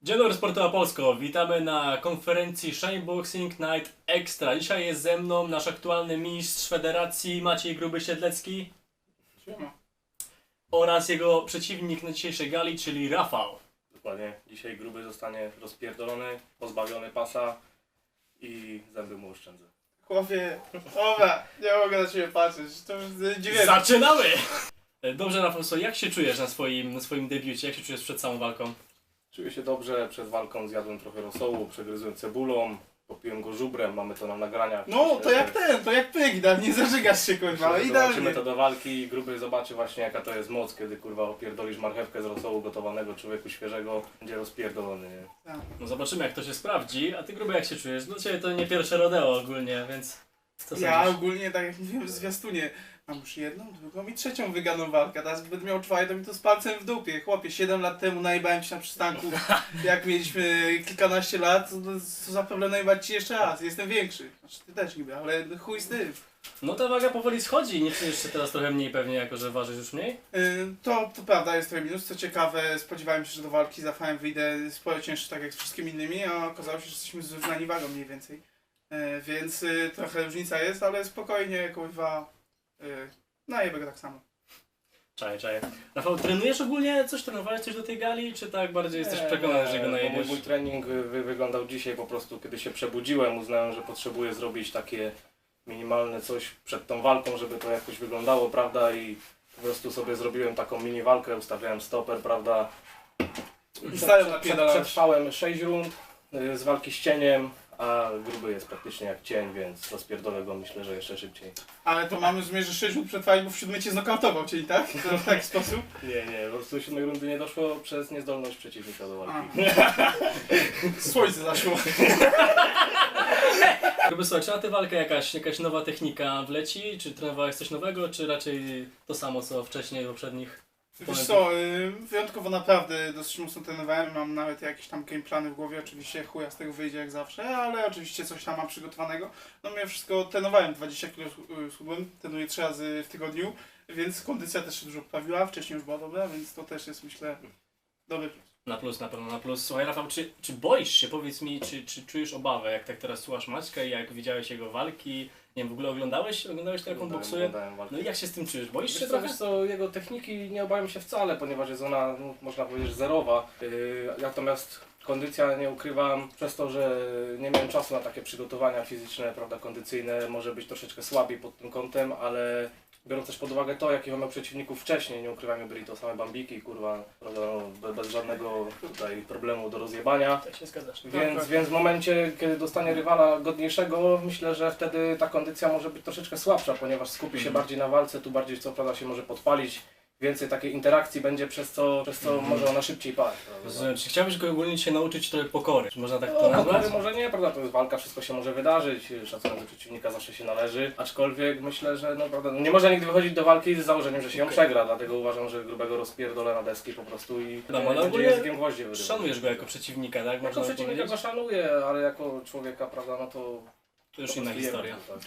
Dzień dobry Sportowa Polsko, witamy na konferencji Shameboxing Night Extra. Dzisiaj jest ze mną nasz aktualny mistrz federacji Maciej Gruby-Siedlecki. Siema. Oraz jego przeciwnik na dzisiejszej gali, czyli Rafał. Dokładnie. Dzisiaj Gruby zostanie rozpierdolony, pozbawiony pasa i zęby mu oszczędzę. Chłopie, dobra, nie mogę na ciebie patrzeć, to już dziwię. Zaczynamy! Dobrze Rafał, co, jak się czujesz na swoim debiucie? Jak się czujesz przed całą walką? Czuję się dobrze, przed walką zjadłem trochę rosołu, przegryzłem cebulą, popiłem go żubrem, mamy to na nagraniach. No, Myślę, to jak ten, to jak pygda, nie zażygasz się kurwa, ale idealnie. Zobaczymy to do walki i Gruby zobaczy właśnie jaka to jest moc, kiedy kurwa opierdolisz marchewkę z rosołu gotowanego człowieku świeżego, będzie rozpierdolony, nie? No zobaczymy jak to się sprawdzi, a ty Gruby jak się czujesz? Dla ciebie to nie pierwsze rodeo ogólnie, więc co Ja sądzisz? ogólnie, tak jak mówiłem w zwiastunie, mam już jedną, drugą i trzecią wyganą walkę, teraz będę miał czwartą i to z palcem w dupie. Chłopie, 7 lat temu najebałem się na przystanku, jak mieliśmy kilkanaście lat, to za problem najebać ci jeszcze raz, jestem większy. Znaczy ty też niby, ale chuj z tym. No ta waga powoli schodzi, nie czujesz się teraz trochę mniej pewnie, jako że ważysz już mniej? To prawda, jest trochę minus. Co ciekawe, spodziewałem się, że do walki z Rafałem wyjdę sporo cięższy, tak jak z wszystkimi innymi, a okazało się, że jesteśmy zrównani wagą mniej więcej. Więc trochę różnica jest, ale spokojnie, kurwa, najebę go tak samo. Czaję. Rafał, trenujesz ogólnie? Coś trenowałeś coś do tej gali, czy tak bardziej jesteś przekonany, że go najebiesz? Mój trening wyglądał dzisiaj po prostu, kiedy się przebudziłem, uznałem, że potrzebuję zrobić takie minimalne coś przed tą walką, żeby to jakoś wyglądało, prawda, i po prostu sobie zrobiłem taką mini walkę, ustawiałem stoper, prawda. I stałem napierdalałeś. Przetrwałem 6 rund z walki z cieniem, a Gruby jest praktycznie jak cień, więc rozpierdolę go myślę, że jeszcze szybciej. Ale to mamy rozumieć, że 6 minut przetrwali, bo w 7 cię znokautował, czyli tak? To w taki sposób? Nie, po prostu 7 rundy nie doszło przez niezdolność przeciwnika do walki. Słońce zaszło. Gruby, słuchaj, czy na tę walkę jakaś nowa technika wleci? Czy trenowałeś coś nowego, czy raczej to samo co wcześniej, poprzednich? Wiesz co, wyjątkowo naprawdę dosyć mocno trenowałem, mam nawet jakieś tam gameplany w głowie, oczywiście chuja z tego wyjdzie jak zawsze, ale oczywiście coś tam mam przygotowanego. No mimo wszystko trenowałem, 20 kg schudłem, trenuję 3 razy w tygodniu, więc kondycja też się dużo poprawiła, wcześniej już była dobra, więc to też jest myślę dobry plus. Na plus, na pewno na plus. Słuchaj Rafał, czy boisz się, powiedz mi, czy czujesz obawę, jak tak teraz słuchasz Maćka i jak widziałeś jego walki? Nie wiem, w ogóle oglądałeś to jak on boksuje? Oglądałem walkę. No i jak się z tym czujesz? Boisz się Wiesz trochę? co, jego techniki nie obawiam się wcale, ponieważ jest ona, no, można powiedzieć, zerowa. Natomiast kondycja, nie ukrywam, przez to, że nie miałem czasu na takie przygotowania fizyczne, prawda, kondycyjne, może być troszeczkę słabiej pod tym kątem, ale biorąc też pod uwagę to, jakich on miał przeciwników wcześniej, nie ukrywajmy, byli to same bambiki, kurwa, prawda, no, bez żadnego tutaj problemu do rozjebania. Tak się zgadzasz. Więc w momencie, kiedy dostanie rywala godniejszego, myślę, że wtedy ta kondycja może być troszeczkę słabsza, ponieważ skupi się bardziej na walce, tu bardziej co prawda się może podpalić, więcej takiej interakcji będzie, przez co może ona szybciej paść. Rozumiem. Czy chciałbyś go ogólnie się nauczyć trochę pokory? Czy można tak to No, nazwać? pokory może nie, prawda, to jest walka, wszystko się może wydarzyć, szacunek do przeciwnika zawsze się należy, aczkolwiek myślę, że no, prawda, nie można nigdy wychodzić do walki z założeniem, że się ją przegra, dlatego uważam, że Grubego rozpierdolę na deski po prostu i No, ale będzie ogólnie językiem gwoździe wyrywać. Szanujesz go jako przeciwnika, tak? Jako Można przeciwnika powiedzieć? go szanuję, ale jako człowieka, prawda, no to... To już po inna prostu historia. jemy, tak.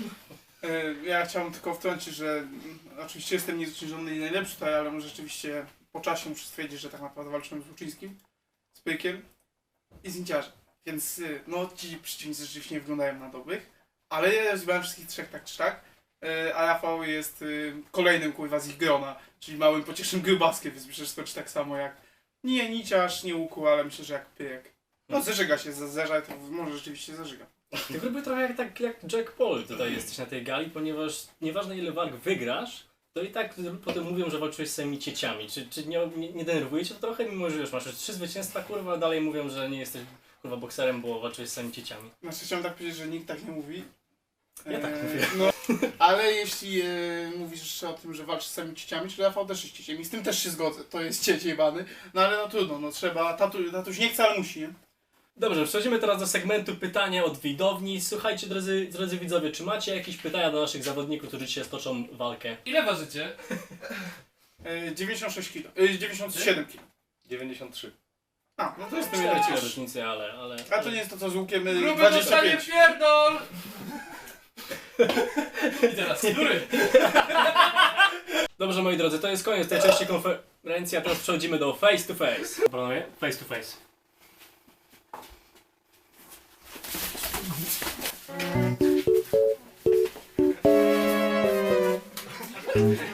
Ja chciałem tylko wtrącić, że oczywiście jestem niezwyciężony i najlepszy tutaj, ale może rzeczywiście po czasie muszę stwierdzić, że tak naprawdę walczyłem z Łuczyńskim, z Pykiem i z Inciarzem. Więc no ci przeciwnicy rzeczywiście nie wyglądają na dobrych, ale ja rozgrałem wszystkich trzech tak czy tak, a Rafał jest kolejnym kurwa z ich grona, czyli małym pociesznym grubaskiem, więc myślę, że skoczy tak samo jak nie Niciarz, nie Łuku, ale myślę, że jak Pyk. No zażyga się, zerza, to może rzeczywiście zażyga. Ty Gruby trochę jak Jack Paul tutaj jesteś na tej gali, ponieważ nieważne ile walk wygrasz, to i tak potem mówią, że walczyłeś z samymi cieciami. Czy nie denerwuje cię to trochę, mimo że już masz już 3 zwycięstwa, kurwa, dalej mówią, że nie jesteś kurwa bokserem, bo walczyłeś z samymi cieciami. Znaczy chciałem tak powiedzieć, że nikt tak nie mówi. Ja tak mówię. No, ale jeśli mówisz jeszcze o tym, że walczysz z samymi cieciami, czyli Rafał też jest cieciem i z tym też się zgodzę, to jest cieć jebany. No ale no trudno, no trzeba, tatuś nie chce, ale musi, nie? Dobrze, przechodzimy teraz do segmentu pytania od widowni. Słuchajcie, drodzy widzowie, czy macie jakieś pytania do naszych zawodników, którzy dzisiaj stoczą walkę? Ile ważycie? 96 kg, 97 kg. 93. A, no to jest to 4 wiele różnicy, ale... A to nie jest to co z łukiem Gruby dostanie 25. pierdol! I teraz, który? Dobrze, moi drodzy, to jest koniec tej części konferencji, a teraz przechodzimy do face to face. Panowie, face to face. Dziękuję.